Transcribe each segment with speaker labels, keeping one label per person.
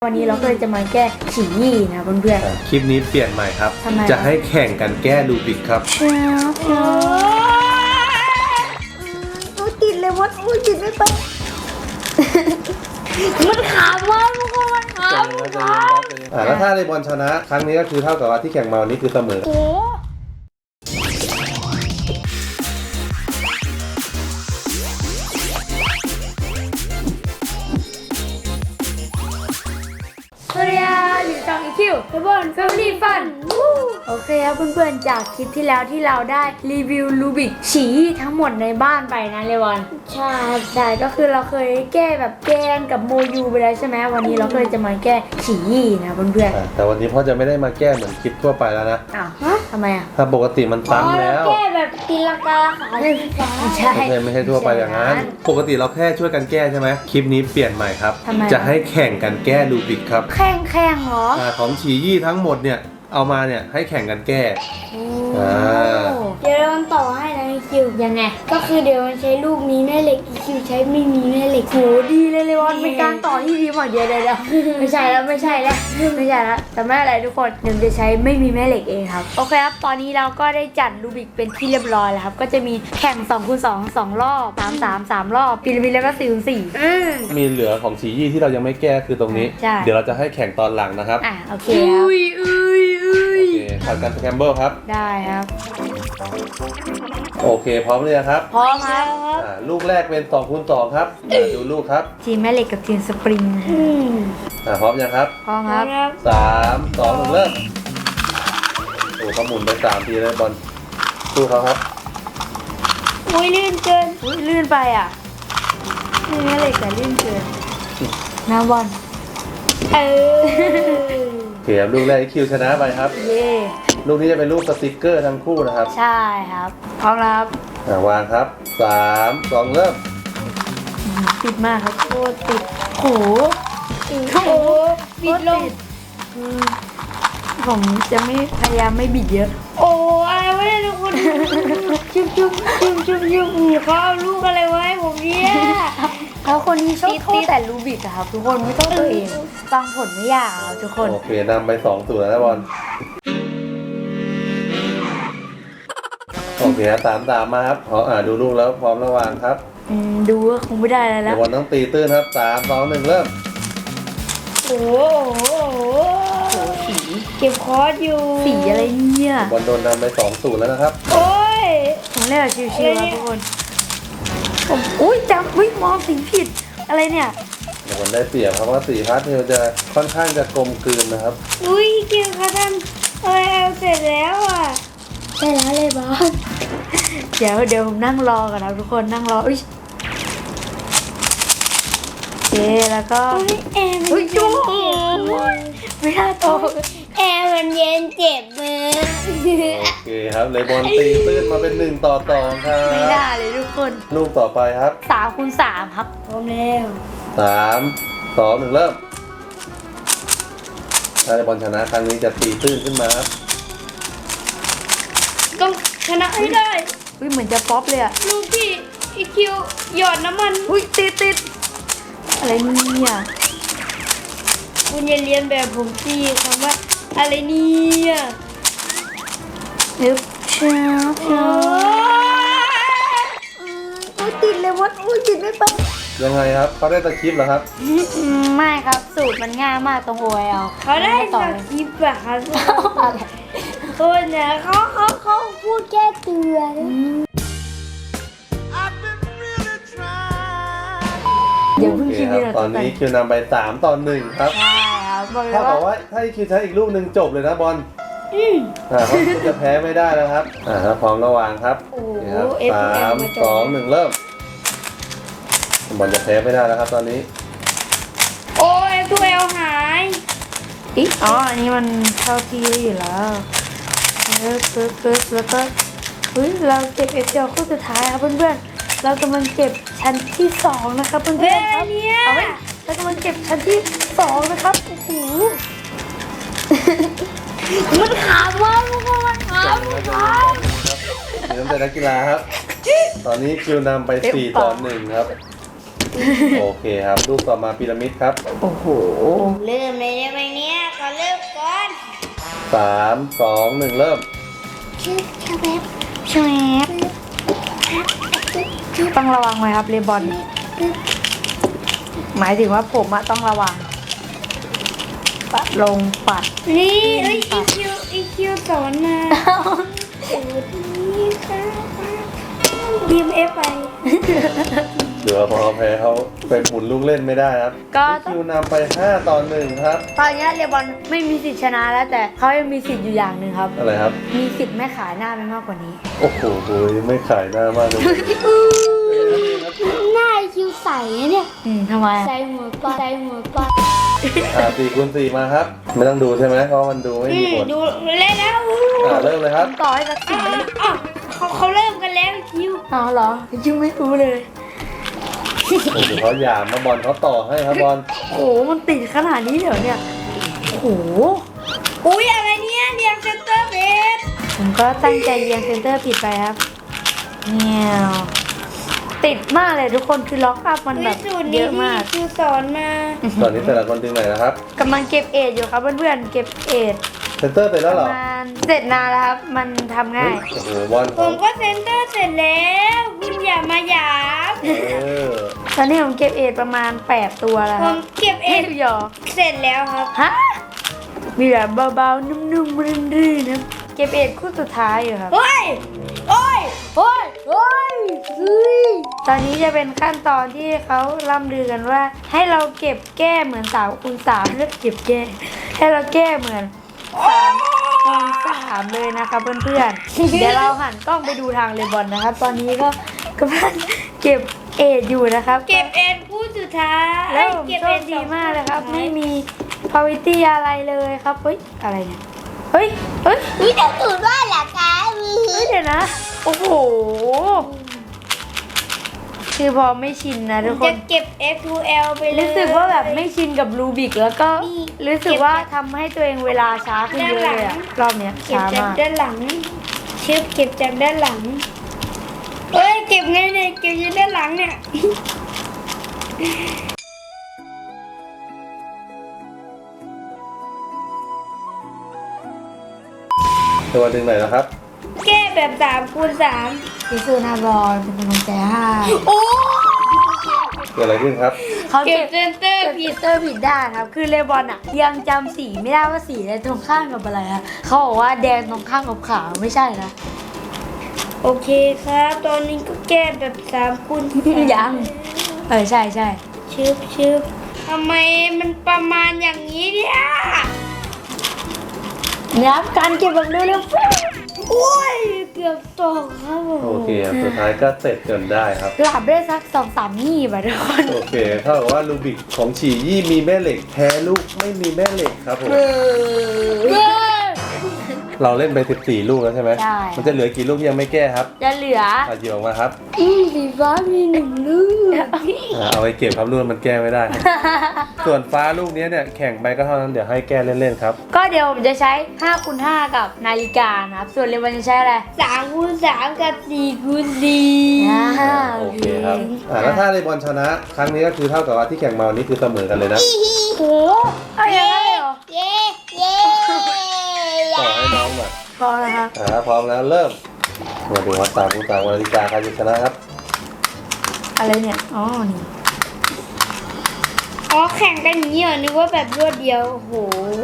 Speaker 1: วันนี้เราก็เลยจะมาแก้ฉี่ยี่นะเพื่อน
Speaker 2: คลิปนี้เปลี่ยนใหม่ครับ จะให้แข่งกันแก้รูบิกครับ
Speaker 1: ติดเลยวัดติดไม่ไปมันขำมากทุกคนมันขำ
Speaker 2: แล้วถ้าในบอลชนะครั้งนี้ก็คือเท่ากับว่าที่แข่งมาวันนี้คือเสมอ
Speaker 1: สวัสดีครับอยู่ช่องอีคิวเทเบิลแฟมิลี่ฟันโอเคครับเพื่อนๆจากคลิปที่แล้วที่เราได้รีวิวรูบิกฉี่ทั้งหมดในบ้านไปนะเลวอนใช่ก็คือเราเคยแก้แบบแกนกับโมยูไปแล้วใช่ไหมวันนี้เราก็เลยจะมาแก้ฉี่ยี่นะเพื่อน
Speaker 2: ๆแต่วันนี้พ่อจะไม่ได้มาแก้เหมือนคลิปทั่วไปแล้วนะ
Speaker 1: อ้าวทำไมอ่ะ
Speaker 2: ถ้าปกติมันซ้ำแล้ว
Speaker 1: แก้แบบตีลังกาขา
Speaker 2: ไม่ใช่ทั่วไปอย่างนั้นปกติเราแค่ช่วยกันแก้ใช่ไหมคลิปนี้เปลี่ยนใหม่ครับจะให้แข่งกันแก้รูบิกครับ
Speaker 1: แข่งเหรอ
Speaker 2: ของฉี่ยี่ทั้งหมดเนี่ยเอามาเนี่ยให้แข่งกันแก้
Speaker 1: เดี๋ยวเราต่อให้นะคิวยังไงก็คือเดี๋ยวมันใช้ลูกมีแม่เหล็กคิวใช้ไม่มีแม่เหล็กโหดีเลยวันเป็นการต่อที่ดีมากเดี๋ยวไม่ใช่แล้วแต่ไม่อะไรทุกคนเดี๋ยวจะใช้ไม่มีแม่เหล็กเองครับโอเคครับตอนนี้เราก็ได้จัดรูบิกเป็นที่เรียบร้อยแล้วครับก็จะมีแข่ง2x2 2รอบ3 รอบพีระมิดแล้วก็4x4
Speaker 2: มีเหลือของฉี่ยี่ที่เรายังไม่แก้คือตรงนี้เดี๋ยวเราจะให้แข่งตอนหลังนะครับ
Speaker 1: โอเคครับ
Speaker 2: ผัดกันสแครมเบิลครับ
Speaker 1: ได้ครับ
Speaker 2: โอเคพร้อมเลยครับ
Speaker 1: พร้อมครับ
Speaker 2: ลูกแรกเป็น2x2ครับดูลูกครับ
Speaker 1: ทีมแม่เหล็กกับทีมสปริง
Speaker 2: พร้อมยังครับ
Speaker 1: พร้อมครับ
Speaker 2: 3 2 1เริ่มโอ้เขาหมุนไป3ทีเลยบอลสู้เขาครับ
Speaker 1: ลื่นเกินลื่นไปอ่ะนี่แม่เหล็กแต่ลื่นเกินนะบอล
Speaker 2: เขียบลูกแรกคิวชนะไปครับลูกนี้จะเป็นลูกสติ๊กเกอร์ทั้งคู่นะครับ
Speaker 1: ใช่ครับพร้อมแล้ว
Speaker 2: วางครับ3 2เริ่ม
Speaker 1: ติดมากครับโคตรติดโหบิดลงผมจะไม่พยายามไม่บิดเยอะโอ้อะไรวะเนี่ยทุกคนจุ๊บเขาเอาลูกอะไรไว้ผมเนี่ยแล้วคนที่ชอบโทษแต่รูบิกอะครับทุกคนไม่ต้องตัวเองฟังผลไม่ยากครับทุกคน
Speaker 2: โอเคนำไป2-0แล้วบอลโอเคตามมาครับดูลูกแล้วพร้อมระวางครับ
Speaker 1: ดูก็คงไม่ได้แล้ว
Speaker 2: บอลต้องตีตื้นครับ3 2 1เริ่ม
Speaker 1: โอ้โหสีเก็บคอร์สอยู่สีอะไรเนี่ย
Speaker 2: บอลโดนนำไป2-0แล้วนะครับ
Speaker 1: โอ้ยผมเล่นแบบชิวๆครับทุกคนผมจำมองสีผิดอะไรเนี่ย
Speaker 2: บอลได้เปรียบครับว่าสีพาสเทลจะค่อนข้างจะกลมกลืนนะครับ
Speaker 1: เกี่ยวกับท่านเสร็จแล้วอ่ะใช่แล้วเลยบอลเดี๋ยวผมนั่งรอก่อนนะทุกคนนั่งรอโอเคแล้วก็
Speaker 3: แอร์มันเย็น
Speaker 1: ไม่น่าโต
Speaker 3: แอร์มันเย็นเจ็บมือ
Speaker 2: โอเคครับเลยบอลตีตื้นมาเป็น1-2ครับ
Speaker 1: ไม่ได้เลยทุกคน
Speaker 2: ลูกต่อไปครับ
Speaker 1: 3x3ครับพร้อมแล้ว
Speaker 2: 3 2 1เริ่มถ้าบอลชนะครั้งนี้จะตีตื้นขึ้นมาครับ
Speaker 3: ต้องชนะให้ได้
Speaker 1: เหมือนจะป๊อปเลยอะ
Speaker 3: ลูกที่อีคิวหยอดน้ำมัน
Speaker 1: ติดอะไรเนี่ย
Speaker 3: คุณอย่าเรียนแบบผมสิคำว่าอะไรเนี่ย
Speaker 1: ช้าติดเลยวัดติดไม่ไป
Speaker 2: ยังไงครับเขาได้ตะคริปเหรอครับ
Speaker 1: ไม่ครับสูตรมันง่ายมากตรงโอย
Speaker 3: เขาได้ตะคริปอะครับคนเนี่ยเขาพูดแค่เตือน
Speaker 1: เดี๋ยวเพิ่งคิด
Speaker 2: ตอนนี้คิวนำไป3-1ครับ
Speaker 1: ใช่ครับ
Speaker 2: ถ้าบอกว่าถ้าคิวใช้อีกลูกหนึ่งจบเลยนะบอลเขาจะแพ้ไม่ได้แล้วครับพร้อมระวางครับ3 2 1เริ่มบอลจะแพ้ไม่ได้แล้วครับตอนนี้
Speaker 3: โอ้ยตัวเอลหาย
Speaker 1: อันนี้มันเข้าที่อยู่แล้วแล้วก็เราเก็บเดียวคู่สุดท้ายครับเพื่อนๆเรากำลังเก็บชั้นที่2นะครับเพื่อนๆครับเอาไว้เรากำลังเก็บชั้นที่2นะครับโอ้โหมันขำมากทุกคนมันขำ
Speaker 2: นี่ต้องเป็นนักกีฬาครับตอนนี้คิวนำไป4-1ครับโอเคครับรูปต่อมาพีระมิดครับ
Speaker 1: โอ้โห
Speaker 3: เริ่มเลยได้ไหมเนี่ยขอเริ่มก่อน
Speaker 2: 3 2 1เริ่ม
Speaker 3: ชื่อชาเวฟ
Speaker 1: ชวบต้องระวังไหมครับเรบอนหมายถึงว่าผมอะต้องระวังปัดลงปัด
Speaker 3: นี่เอ้ยอีคิวสอนมาสวัสดีค่ะดีมเอฟไป
Speaker 2: เดี๋ยวพอแพ้เขาไปหมุนลูกเล่นไม่ได้ครับ
Speaker 1: ก็ต้อง
Speaker 2: คิวนำไป5ต่อ1ครับ
Speaker 1: ตอนนี้เรบอนไม่มีสิทธิ์ชนะแล้วแต่เขายังมีสิทธิ์อยู่อย่างหนึ่งครับ
Speaker 2: อะไรครับ
Speaker 1: มีสิทธิ์ไม่ขายหน้าไปมากกว่านี้
Speaker 2: โอ้โหไม่ขายหน้ามากเลย
Speaker 3: หน้าอีคิวใสเนี่ย
Speaker 1: ทำไม
Speaker 3: ใส่หัวปลาใส่หัวปลา
Speaker 2: 4 คูณ 4มาครับ ไม่ต้องดูใช่ไหมเพราะมันดูไม่มีผล
Speaker 3: ดูเล่นแล้ว
Speaker 2: เริ่มเลยครับ
Speaker 1: ต่อให้สักสิบวิ
Speaker 3: อ้าวเขาเริ่มกันแล้วอีคิว
Speaker 1: อ๋อเหรอยังไม่รู้เลย
Speaker 2: โอ้โหเขาหยามมาบอลเขาต่อให้ครับบอล
Speaker 1: โอ้โหมันติดขนาดนี้เหรอเนี่ยโอ้โห
Speaker 3: อุ้ยอะไรเนี่ยเรียงเซนเตอร์เบส
Speaker 1: ผมก็ตั้งใจเรียงเซนเตอร์ผิดไปครับเนี่ยติดมากเลยทุกคนคือล็อกอัพมันแบบ
Speaker 3: สูตร
Speaker 1: เย
Speaker 3: นี้
Speaker 1: อะ
Speaker 3: ที่
Speaker 1: มาก
Speaker 3: คิวสอนมา
Speaker 2: ตอนนี้แต่ละคนดึงไหนนะครับ
Speaker 1: กำลังเก็บเอทอยู่ครับเพื่อนๆเก็บเอท
Speaker 2: เซนเตอร์เสร็จแล้ว
Speaker 1: ป
Speaker 2: เหร
Speaker 1: ระ
Speaker 2: อ
Speaker 1: มาณเสร็จนานแล้วครับมันทำง่าย
Speaker 2: โอ้โหบอล
Speaker 3: ผมก็เซนเตอร์เสร็จแล้วคุณอย่ามาหยาม
Speaker 1: ตอนนี้ผมเก็บเอทประมาณ8ตัวแล้ว
Speaker 3: ผ
Speaker 1: ครั
Speaker 3: ม
Speaker 1: บ
Speaker 3: เก็บเอ
Speaker 1: เอ็
Speaker 3: ง
Speaker 1: หยอ
Speaker 3: เสร็จแล้วครับ
Speaker 1: ฮะมีแบบเบาๆนุ่มๆรื่นๆนะเก็บเอทคู่สุดท้ายอยู่ครับ
Speaker 3: เฮ้ยโอ้ย
Speaker 1: โอ้ยโอ้ยเฮ้ยตอนนี้จะเป็นขั้นตอนที่เขาล่ำลือกันว่า ให้เราเก็บแก้เหมือน3 คูณ 3เลือกเก็บแก้ให้เราแก้เหมือน3 คูณ 3เลยนะคะเพื่อนๆ เดี๋ยวเราหันกล้องไปดูทางเลบอนนะครับ ตอนนี้ก็กำลังเก็บเอทอยู่นะครับ
Speaker 3: เก็บเอ็นคู่สุดท้าย
Speaker 1: แล้วผม
Speaker 3: เก็บ
Speaker 1: โช
Speaker 3: เอ็
Speaker 1: คน ดีมากเลยครับ
Speaker 3: สอง
Speaker 1: ไม่มีพาวิตี้อะไรเลยครับ เฮ้ย อะไรเนี่ย เฮ้ย เฮ้ย
Speaker 3: นี่จะสูตรว่าหลักการ
Speaker 1: เฮ้ย เดี๋ยวนะ โอ้โห คือพอไม่ชินนะทุกค
Speaker 3: จะ
Speaker 1: น
Speaker 3: เก็บ F2L ไปเลย
Speaker 1: รู้สึกว่าแบบไม่ชินกับรูบิกแล้วก็
Speaker 3: นี่
Speaker 1: รู้สึกว่าทำให้ตัวเองเวลาช้าขึ้นเยอะเลยอะรอบเนี้ย
Speaker 3: เก็บ
Speaker 1: ช้า
Speaker 3: จาก
Speaker 1: มาก
Speaker 3: ด้านหลังชึบเก็บจากด้านหลังเอ้ยเก็บไงเนี่ยเก็บอยู่ด้านหลังเนี่ย
Speaker 2: ตัวดึงไหนนะครับ
Speaker 3: แก้แบบ3 คูณ 3
Speaker 1: พี่ซูนาบอลเป็นกำลังใจให้
Speaker 3: โอ้
Speaker 2: เกิดอะไรขึ้นครับ
Speaker 1: เขา
Speaker 3: เก็
Speaker 1: เก็
Speaker 3: บบ เซนเตอร์
Speaker 1: เก็บ
Speaker 3: ผิ
Speaker 1: พี
Speaker 3: ด
Speaker 1: เตอร์ผิดด้านครับ คือเลบอนอะยังจำสีไม่ได้ว่าสีอะไรตรงข้ามกับอะไรอะเขาบอกว่าแดงตรงข้ามกับขาวไม่ใช่นะ
Speaker 3: โอเคครับ ตอนนี้ก็แก้แบบ3 คูณ
Speaker 1: ยังใช่ใช่
Speaker 3: ชึบทำไมมันประมาณอย่างนี้เนี่ย
Speaker 1: เนี่ยครับการเก็บแบบเร็ว
Speaker 3: โอ้ยเกือบตกครับผม
Speaker 2: โอเคครับสุดท้ายก็เสร็จจนได้ครับ
Speaker 1: ๆหลับได้สัก2-3นี่แบบทุกคน
Speaker 2: โอเคเท่ากับว่าลูบิกของฉี่ยี่มีแม่เหล็กแพ้ลูกไม่มีแม่เหล็กครับผม เราเล่นไป14 ลูกแล้วใช่ไหม
Speaker 1: ใช่
Speaker 2: มันจะเหลือกี่ลูกที่ยังไม่แก้ครับ
Speaker 1: จะเหลือ
Speaker 2: หยิบออกมาครับ
Speaker 3: สีฟ้ามี1 ลูก
Speaker 2: เอาไปเก็บครับลูกมันแก้ไม่ได้ ส่วนฟ้าลูกนี้เนี่ยแข่งไปก็เท่านั้นเดี๋ยวให้แก้เล่นๆครับ
Speaker 1: ก็เดี๋ยวผมจะใช้5 คูณ 5กับนาฬิกานะครับ ส่วนเลวันจะใช้อะไร
Speaker 3: 3 คูณ 3 กับ 4 คูณ
Speaker 2: โอเคครับแล้วถ้าในบอลชนะ ครั้งนี้ก็คือเท่ากับว่าที่แข่งมาวันนี้คือเสมอกันเลยนะ
Speaker 1: โอ้เอาอย่างนั้นเลยเหรอ
Speaker 3: 4 เย้เย้
Speaker 2: ต่อให้น้องหน่อย
Speaker 1: พอแล้วครับ
Speaker 2: พร้อมแล้วเริ่ม มาดูว่า3 คูณ 3นาฬิกาใครจะชนะครับ
Speaker 1: อะไรเนี่ย อ๋อ นี่
Speaker 3: อ๋อแข่งกันอย่างนี้เหรอนึกว่าแบบรวดเดียวโอ้โห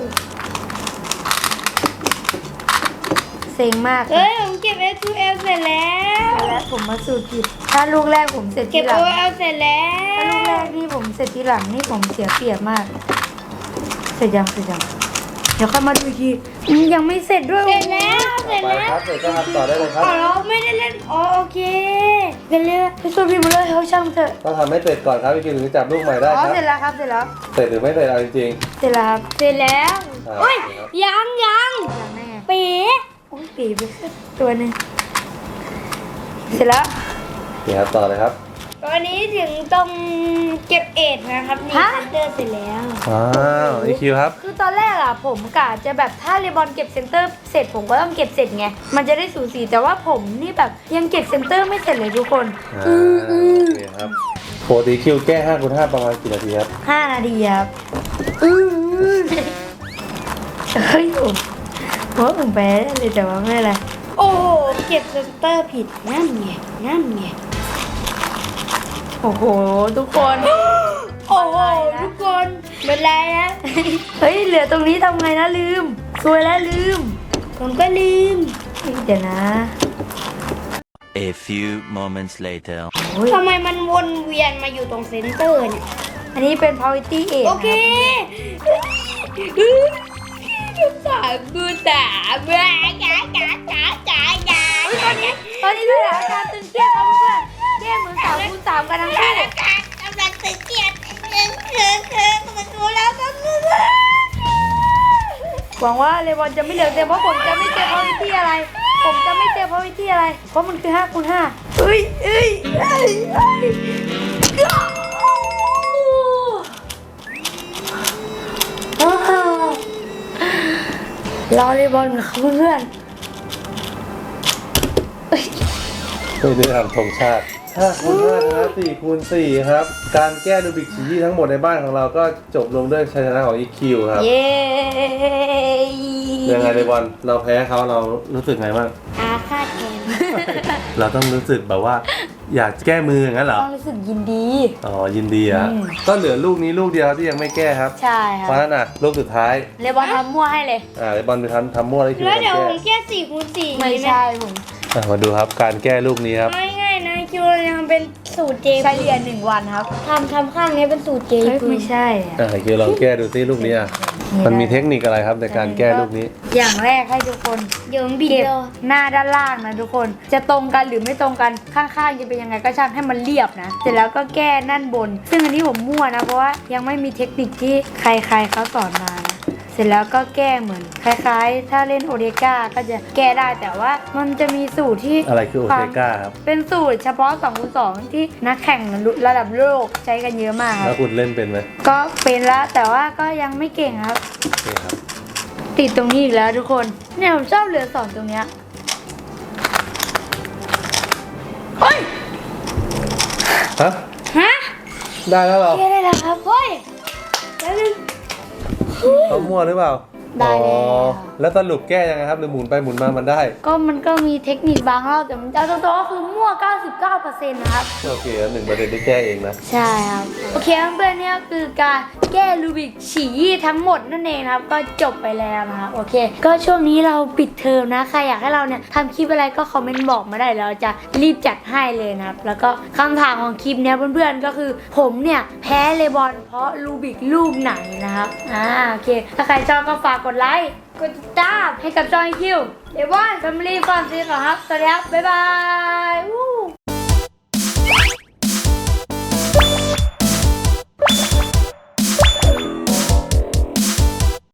Speaker 1: เซ็งมาก
Speaker 3: เอ้ยผมเก็บ F2L เสร็จแล้ว
Speaker 1: แล้วผมมาสูตรผิด ถ้าลูกแรกผมเสร็จ
Speaker 3: เก็
Speaker 1: ที
Speaker 3: บ
Speaker 1: หลัง
Speaker 3: OL เสร็จแล้ว
Speaker 1: ถ้าลูกแรกที่ผมเสร็จทีหลังนี่ผมเสียเปรียบมาก เสร็จยังเดี๋ยวค่อยมาดูอีกทียังไม่เสร็จด้วย
Speaker 3: เสร็จแล้วเสร็จ
Speaker 2: ไป
Speaker 3: แล้ว
Speaker 2: ครับเสร็จก็ทำต่อได้เลยครับ
Speaker 3: อ๋อเราไม่ได้เล่นอ๋อโอเคกันเลย
Speaker 1: ไปสูตรผิดหมาเลยเขาช่างเถอะ
Speaker 2: ต้องทำให้เสร็จก่อนครับพี่คิวถึงจะจับลูกใหม่ได้
Speaker 1: อ๋อ
Speaker 2: ครับ
Speaker 1: เสร็จแล้วครับ เสร็จแล้ว
Speaker 2: เสร็จหรือไม่เสร็จเอาจริง
Speaker 1: เสร็จแล้วครับ
Speaker 3: เสร็จแล้ว
Speaker 2: ๆอ่า
Speaker 3: โอ้ย
Speaker 2: โอเคครับ
Speaker 3: ยัง
Speaker 1: อย่างแน่
Speaker 3: ปี
Speaker 1: โอ้ยปีไปตัวหนึ่งเสร็จแล้ว
Speaker 2: โอเคครับต่อเลยครับ
Speaker 3: ตอนนี้ถึงตรงเก็บเอ็ดนะครับนี่
Speaker 1: ฮะ
Speaker 3: เซนเตอร์เสร็จแล้ว
Speaker 2: อ้าวอีคิวครับ
Speaker 1: คือตอนแรกอะผมกะจะแบบถ้าเรบอนเก็บเซนเตอร์เสร็จผมก็ต้องเก็บเสร็จไง มันจะได้สูสีแต่ว่าผมนี่แบบยังเก็บเซนเตอร์ไม่เสร็จเลยทุกคน
Speaker 2: โอเคครับปกติคิวแก้5 คูณ 5ประมาณกี่นาทีครับ
Speaker 1: 5 นาทีครับเฮ้ยผมแพ้ได้เลยแต่ว่าไม่เป็นไร
Speaker 3: โอ้โหเก็บเซนเตอร์ผิดนั่นไง
Speaker 1: โอ้โหทุกคน
Speaker 3: โอ้โหทุกคนเป็นไรนะ
Speaker 1: เฮ้ยเหลือตรงนี้ทำไงนะลืมซวยแล้วลืม
Speaker 3: ผมก็ลืม
Speaker 1: เดี๋ยวนะ
Speaker 4: A few moments later.
Speaker 1: โอ้ย
Speaker 3: ทำไมมันวนเวียนมาอยู่ตรงเซนเตอร์เนี่ย
Speaker 1: อันนี้เป็น priority เอก
Speaker 3: โอเคกูสามตอนนี้
Speaker 1: ตอนนี้สถานการณ์ตึงเครียดครับเพื่อนๆแก้มือ3 คูณ 3กันทั้งคู่
Speaker 3: กำลังตึงเครียดคือมันรู้แล้วก็คือ
Speaker 1: หวังว่าเลบอนจะไม่เหลือแต่เพราะผมจะไม่เจอ priority อะไร ผมจะไม่เจอ priority อะไร เพราะมันคือ5 คูณ 5เอ้ยรอเลบอนกับเพื่อน
Speaker 2: ไม่ได้ทำธงชาติ5 คูณ 5นะครับ4 คูณ 4ครับการแก้รูบิกชีทั้งหมดในบ้านของเราก็จบลงด้วยชัยชนะของ EQ ครับ
Speaker 1: เย้
Speaker 2: ยังไงเลยบอลเราแพ้เขาเรารู้สึกไงบ้าง
Speaker 3: อาฆาตแทน
Speaker 2: เราต้องรู้สึกแบบว่า อยากแก้มืออย่างนั้นเหรอ
Speaker 1: ต้องรู้สึกยินดี
Speaker 2: อ๋อยินดีอ่ะ
Speaker 1: อืม
Speaker 2: ก็เหลือลูกนี้ลูกเดียวที่ยังไม่แก้ครับ
Speaker 1: ใช่ค
Speaker 2: เพ
Speaker 1: รั
Speaker 2: ราะ
Speaker 1: บ
Speaker 2: ฉะนั้นอ่ะลูกสุดท้าย
Speaker 1: เลบอนทำมั่วให้เลย
Speaker 2: เลยบอลไปทำมั่วได้คิว
Speaker 3: แล้ว
Speaker 2: กัน
Speaker 3: เดี๋ยว
Speaker 2: แก้
Speaker 3: ผมแค่4 คูณ 4
Speaker 1: ไม่ใช่ผม
Speaker 2: มาดูครับการแก้ลูกนี้ครับ
Speaker 3: ง่ายๆนะคิวยังเป็นสูตรเจ
Speaker 1: เฉลี่ย1 วันครับ
Speaker 3: ทำข้างนี้เป็นสูตรเจ
Speaker 1: เฮ้ยไม่ใช่อะ
Speaker 2: คิวลองแก้ดูซิลูกนี้อ่ะมันมีเทคนิคอะไรครับในการแก้ลูกนี้
Speaker 1: อย่างแรกให้ทุกคน
Speaker 3: เดี๋ยวบิด
Speaker 1: เก็บ
Speaker 3: เลย
Speaker 1: หน้าด้านล่างนะทุกคน จะตรงกันหรือไม่ตรงกันข้างๆจะเป็นยังไงก็ช่างให้มันเรียบนะ เสร็จแล้วก็แก้นั่นบน ซึ่งอันนี้ผมมั่วนะเพราะว่ายังไม่มีเทคนิคที่ใครๆเขาสอนมานะเสร็จแล้วก็แก้เหมือนคล้ายๆ ถ้าเล่นโอเดก้าก็จะแก้ได้แต่ว่ามันจะมีสูตรที่
Speaker 2: อะไรคือโอเทก้าครับ
Speaker 1: เป็นสูตรเฉพาะ2 คูณ 2ที่นักแข่งระดับโลกใช้กันเยอะมากค
Speaker 2: แล้
Speaker 1: รั
Speaker 2: ว
Speaker 1: บ
Speaker 2: คุณเล่นเป็นไหม
Speaker 1: ก็เป็นแล้วแต่ว่าก็ยังไม่เก่งครับ
Speaker 2: นี่ครับ
Speaker 1: ติดตรงนี้อีกแล้วทุกคน เนี่ยผมชอบเหลือ2ตรงเนี้ยเฮ้ย
Speaker 2: ฮะ
Speaker 3: ฮะ
Speaker 2: ได้แล้วเหรอ
Speaker 1: แก้ได้แล้วครับเฮ้ย
Speaker 3: แล้วนึง
Speaker 2: เขามั่วหรือเปล่า
Speaker 1: ได้แล้ว
Speaker 2: อ๋อแล้วสรุปแก้ยังไงครับหรือหมุนไปหมุนมามันได้
Speaker 1: ก็มันก็มีเทคนิคบางรอบแต่มันเอาตรงๆก็คือมั่ว 99% นะครับ
Speaker 2: โอเคแล้ว1%ที่แก้เองนะ
Speaker 1: ใช่ครับ โอเคเพื่อนๆเนี่ยคือการแก้รูบิกฉี่ทั้งหมดนั่นเองนะครับ ก็จบไปแล้วนะครับโอเค ก็ช่วงนี้เราปิดเทอมนะใครอยากให้เราเนี่ยทำคลิปอะไรก็คอมเมนต์บอกมาได้เราจะรีบจัดให้เลยนะครับแล้วก็คำถามของคลิปเนี้ยเพื่อนๆก็คือผมเนี่ยแพ้เลบอนเพราะรูบิกรูปไหนนะครับโอเค ถ้าใครชอบก็ฝากกดไลค์กดติดตามให้กับจอยคิวเลบอนแฟมิลี่ฟอนซีก่อนครับสวัสดีครับบ๊ายบาย